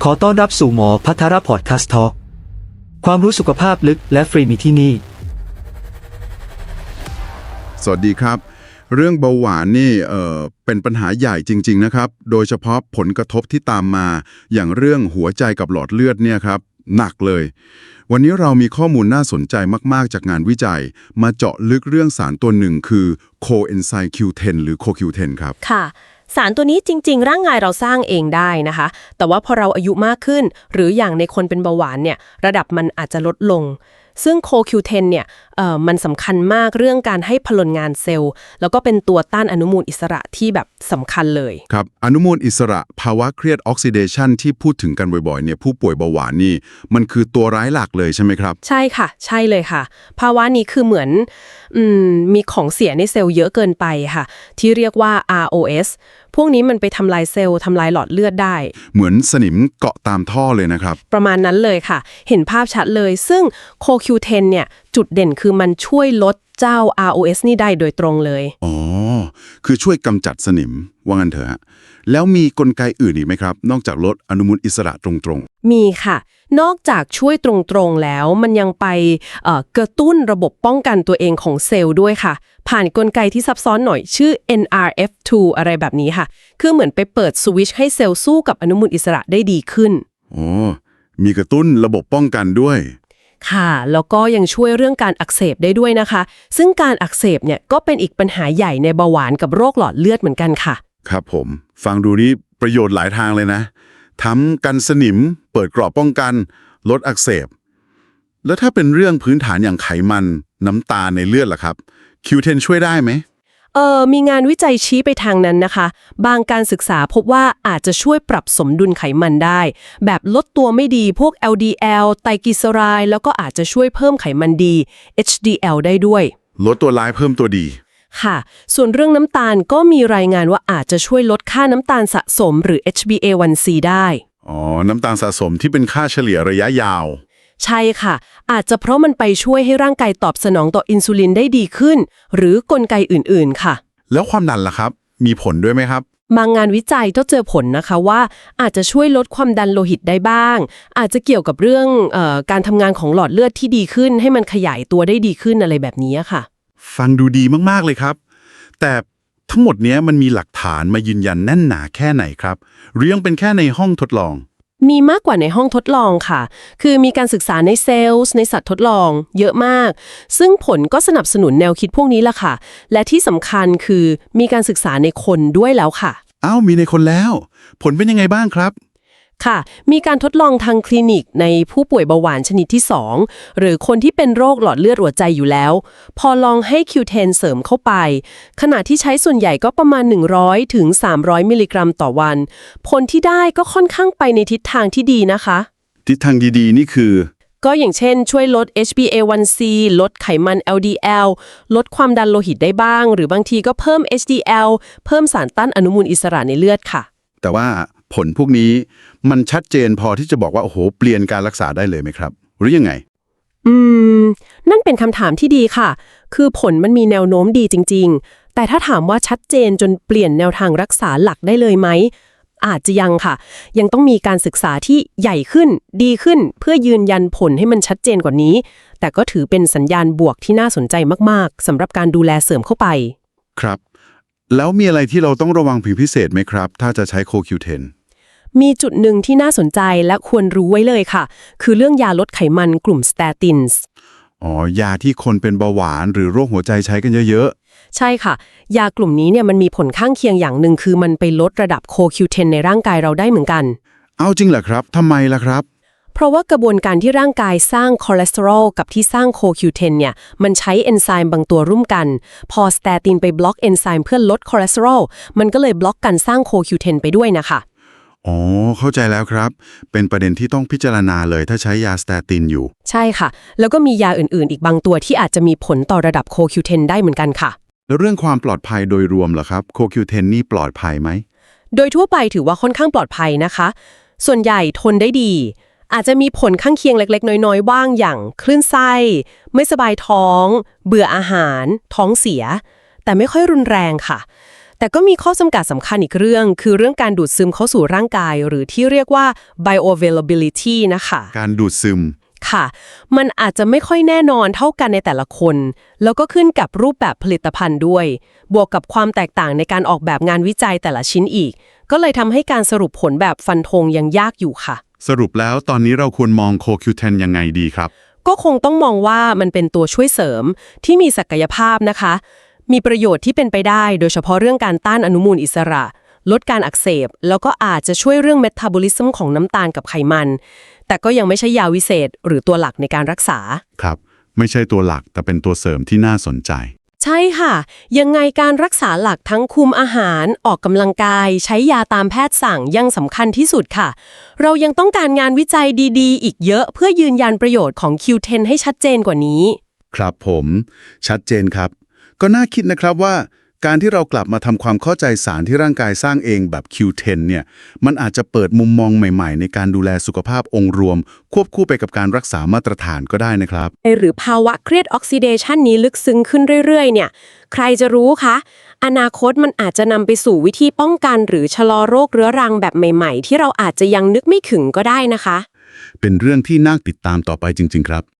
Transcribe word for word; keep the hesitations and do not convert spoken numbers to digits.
ขอต้อนรับสู่หมอพัทรพอดคาสต์ทอล์กความรู้สุขภาพลึกและฟรีมีที่นี่สวัสดีครับเรื่องเบาหวานนี่เอ่อเป็นปัญหาใหญ่จริงๆนะครับโดยเฉพาะผลกระทบที่ตามมาอย่างเรื่องหัวใจกับหลอดเลือดเนี่ยครับหนักเลยวันนี้เรามีข้อมูลน่าสนใจมากๆจากงานวิจัยมาเจาะลึกเรื่องสารตัวหนึ่งคือ Coenzyme คิว เท็น หรือ โค คิว เท็น ครับค่ะสารตัวนี้จริงๆร่างกายเราสร้างเองได้นะคะแต่ว่าพอเราอายุมากขึ้นหรืออย่างในคนเป็นเบาหวานเนี่ยระดับมันอาจจะลดลงซึ่ง โค คิว เท็น เนี่ยเอ่อมันสำคัญมากเรื่องการให้พลังงานเซลล์แล้วก็เป็นตัวต้านอนุมูลอิสระที่แบบสำคัญเลยครับอนุมูลอิสระภาวะเครียดออกซิเดชันที่พูดถึงกันบ่อยๆเนี่ยผู้ป่วยเบาหวานนี่มันคือตัวร้ายหลักเลยใช่ไหมครับใช่ค่ะใช่เลยค่ะภาวะนี้คือเหมือนอืมมีของเสียในเซลล์เยอะเกินไปค่ะที่เรียกว่า อาร์ โอ เอส พวกนี้มันไปทำลายเซลล์ทำลายหลอดเลือดได้เหมือนสนิมเกาะตามท่อเลยนะครับประมาณนั้นเลยค่ะเห็นภาพชัดเลยซึ่ง โค คิว เท็น เนี่ยจุดเด่นคือมันช่วยลดเจ้า อาร์ โอ เอส นี่ได้โดยตรงเลยอ๋อคือช่วยกำจัดสนิมว่างั้นเถอะฮะแล้วมีกลไกอื่นอีกไหมครับนอกจากลดอนุมูลอิสระตรงๆมีค่ะนอกจากช่วยตรงๆแล้วมันยังไปเอ่อกระตุ้นระบบป้องกันตัวเองของเซลล์ด้วยค่ะผ่านกลไกที่ซับซ้อนหน่อยชื่อ เอ็น อาร์ เอฟ ทู อะไรแบบนี้ค่ะคือเหมือนไปเปิดสวิตช์ให้เซลล์สู้กับอนุมูลอิสระได้ดีขึ้นอ๋อมีกระตุ้นระบบป้องกันด้วยค่ะแล้วก็ยังช่วยเรื่องการอักเสบได้ด้วยนะคะซึ่งการอักเสบเนี่ยก็เป็นอีกปัญหาใหญ่ในเบาหวานกับโรคหลอดเลือดเหมือนกันค่ะครับผมฟังดูนี้ประโยชน์หลายทางเลยนะทำกันสนิมเปิดกรอบป้องกันลดอักเสบแล้วถ้าเป็นเรื่องพื้นฐานอย่างไขมันน้ำตาลในเลือดล่ะครับ คิว เท็น ช่วยได้ไหมเออมีงานวิจัยชี้ไปทางนั้นนะคะบางการศึกษาพบว่าอาจจะช่วยปรับสมดุลไขมันได้แบบลดตัวไม่ดีพวก แอล ดี แอล ไตรกลีเซอไรด์แล้วก็อาจจะช่วยเพิ่มไขมันดี เอช ดี แอล ได้ด้วยลดตัวร้ายเพิ่มตัวดีค่ะส่วนเรื่องน้ำตาลก็มีรายงานว่าอาจจะช่วยลดค่าน้ำตาลสะสมหรือ เอช บี เอ วัน ซี ได้อ๋อน้ำตาลสะสมที่เป็นค่าเฉลี่ยระยะยาวใช่ค่ะอาจจะเพราะมันไปช่วยให้ร่างกายตอบสนองต่ออินซูลินได้ดีขึ้นหรือกลไกอื่นๆค่ะแล้วความดันล่ะครับมีผลด้วยไหมครับบางงานวิจัยก็เจอผลนะคะว่าอาจจะช่วยลดความดันโลหิตได้บ้างอาจจะเกี่ยวกับเรื่องเอ่อการทำงานของหลอดเลือดที่ดีขึ้นให้มันขยายตัวได้ดีขึ้นอะไรแบบนี้ค่ะฟังดูดีมากๆเลยครับแต่ทั้งหมดนี้มันมีหลักฐานมายืนยันแน่นหนาแค่ไหนครับหรือยังเป็นแค่ในห้องทดลองมีมากกว่าในห้องทดลองค่ะคือมีการศึกษาในเซลล์ในสัตว์ทดลองเยอะมากซึ่งผลก็สนับสนุนแนวคิดพวกนี้ล่ะค่ะและที่สำคัญคือมีการศึกษาในคนด้วยแล้วค่ะอ้าวมีในคนแล้วผลเป็นยังไงบ้างครับค่ะมีการทดลองทางคลินิกในผู้ป่วยเบาหวานชนิดที่สองหรือคนที่เป็นโรคหลอดเลือดหัวใจอยู่แล้วพอลองให้ คิว เท็น เสริมเข้าไปขณะที่ใช้ส่วนใหญ่ก็ประมาณหนึ่งร้อยถึงสามร้อยมิลลิกรัมต่อวันผลที่ได้ก็ค่อนข้างไปในทิศทางที่ดีนะคะทิศทางดีๆนี่คือก็อย่างเช่นช่วยลด เอช บี เอ วัน ซี ลดไขมัน แอล ดี แอล ลดความดันโลหิตได้บ้างหรือบางทีก็เพิ่ม เอช ดี แอล เพิ่มสารต้านอนุมูลอิสระในเลือดค่ะแต่ว่าผลพวกนี้มันชัดเจนพอที่จะบอกว่าโอ้โหเปลี่ยนการรักษาได้เลยไหมครับหรือยังไงอืมนั่นเป็นคำถามที่ดีค่ะคือผลมันมีแนวโน้มดีจริงๆแต่ถ้าถามว่าชัดเจนจนเปลี่ยนแนวทางรักษาหลักได้เลยไหมอาจจะยังค่ะยังต้องมีการศึกษาที่ใหญ่ขึ้นดีขึ้นเพื่อยืนยันผลให้มันชัดเจนกว่านี้แต่ก็ถือเป็นสัญญาณบวกที่น่าสนใจมากๆสำหรับการดูแลเสริมเข้าไปครับแล้วมีอะไรที่เราต้องระวังผิดพิเศษไหมครับถ้าจะใช้ โค คิว เท็นมีจุดหนึ่งที่น่าสนใจและควรรู้ไว้เลยค่ะคือเรื่องยาลดไขมันกลุ่มสเตตินส์อ๋อยาที่คนเป็นเบาหวานหรือโรคหัวใจใช้กันเยอะๆใช่ค่ะยากลุ่มนี้เนี่ยมันมีผลข้างเคียงอย่างหนึ่งคือมันไปลดระดับ โค คิว เท็น ในร่างกายเราได้เหมือนกันเอาจริงเหรอครับทำไมล่ะครับเพราะว่ากระบวนการที่ร่างกายสร้างคอเลสเตอรอลกับที่สร้าง โค คิว เท็น เนี่ยมันใช้เอนไซม์บางตัวร่วมกันพอสเตตินไปบล็อกเอนไซม์เพื่อลดคอเลสเตอรอลมันก็เลยบล็อกการสร้าง โค คิว เท็น ไปด้วยนะคะอ๋อเข้าใจแล้วครับเป็นประเด็นที่ต้องพิจารณาเลยถ้าใช้ยาสเตตินอยู่ใช่ค่ะแล้วก็มียาอื่นๆอีกบางตัวที่อาจจะมีผลต่อระดับ โค คิว เท็น ได้เหมือนกันค่ะแล้วเรื่องความปลอดภัยโดยรวมล่ะครับ โค คิว เท็น นี่ปลอดภัยไหมโดยทั่วไปถือว่าค่อนข้างปลอดภัยนะคะส่วนใหญ่ทนได้ดีอาจจะมีผลข้างเคียงเล็กๆน้อยๆบ้างอย่างคลื่นไส้ไม่สบายท้องเบื่ออาหารท้องเสียแต่ไม่ค่อยรุนแรงค่ะ แแต่ก็มีข้อจำกัดสำคัญอีกเรื่อง คือเรื่องการดูดซึมเข้าสู่ร่างกาย หรือที่เรียกว่า bioavailability นะคะการดูดซึมค่ะ มันอาจจะไม่ค่อยแน่นอนเท่ากันในแต่ละคน แล้วก็ขึ้นกับรูปแบบผลิตภัณฑ์ด้วย บวกกับความแตกต่างในการออกแบบงานวิจัยแต่ละชิ้นอีก ก็เลยทำให้การสรุปผลแบบฟันธงยังยากอยู่ค่ะสรุปแล้วตอนนี้เราควรมองโค คิว เท็น ยังไงดีครับก็คงต้องมองว่ามันเป็นตัวช่วยเสริมที่มีศักยภาพนะคะ มีประโยชน์ที่เป็นไปได้ โดยเฉพาะเรื่องการต้านอนุมูลอิสระ ลดการอักเสบ แล้วก็อาจจะช่วยเรื่องเมตาบอลิซึมของน้ำตาลกับไขมัน แต่ก็ยังไม่ใช่ยาวิเศษหรือตัวหลักในการรักษาครับ ไม่ใช่ตัวหลักแต่เป็นตัวเสริมที่น่าสนใจใช่ค่ะ ยังไงการรักษาหลักทั้งคุมอาหาร ออกกำลังกาย ใช้ยาตามแพทย์สั่งยังสำคัญที่สุดค่ะ เรายังต้องการงานวิจัยดีๆ อีกเยอะเพื่อยืนยันประโยชน์ของ คิว เท็น ให้ชัดเจนกว่านี้ครับผมชัดเจนครับ ก็น่าคิดนะครับว่าการที่เรากลับมาทำความเข้าใจสารที่ร่างกายสร้างเองแบบ คิว เท็น เนี่ยมันอาจจะเปิดมุมมองใหม่ๆ ในการดูแลสุขภาพองค์รวม ควบคู่ไปกับการรักษามาตรฐานก็ได้นะครับหรือภาวะเครียดออกซิเดชันนี้ลึกซึ้งขึ้นเรื่อยๆ เนี่ย ใครจะรู้คะอนาคตมันอาจจะนำไปสู่วิธีป้องกันหรือชะลอโรคเรื้อรังแบบใหม่ๆ ที่เราอาจจะยังนึกไม่ถึงก็ได้นะคะเป็นเรื่องที่น่าติดตามต่อไปจริงๆครับ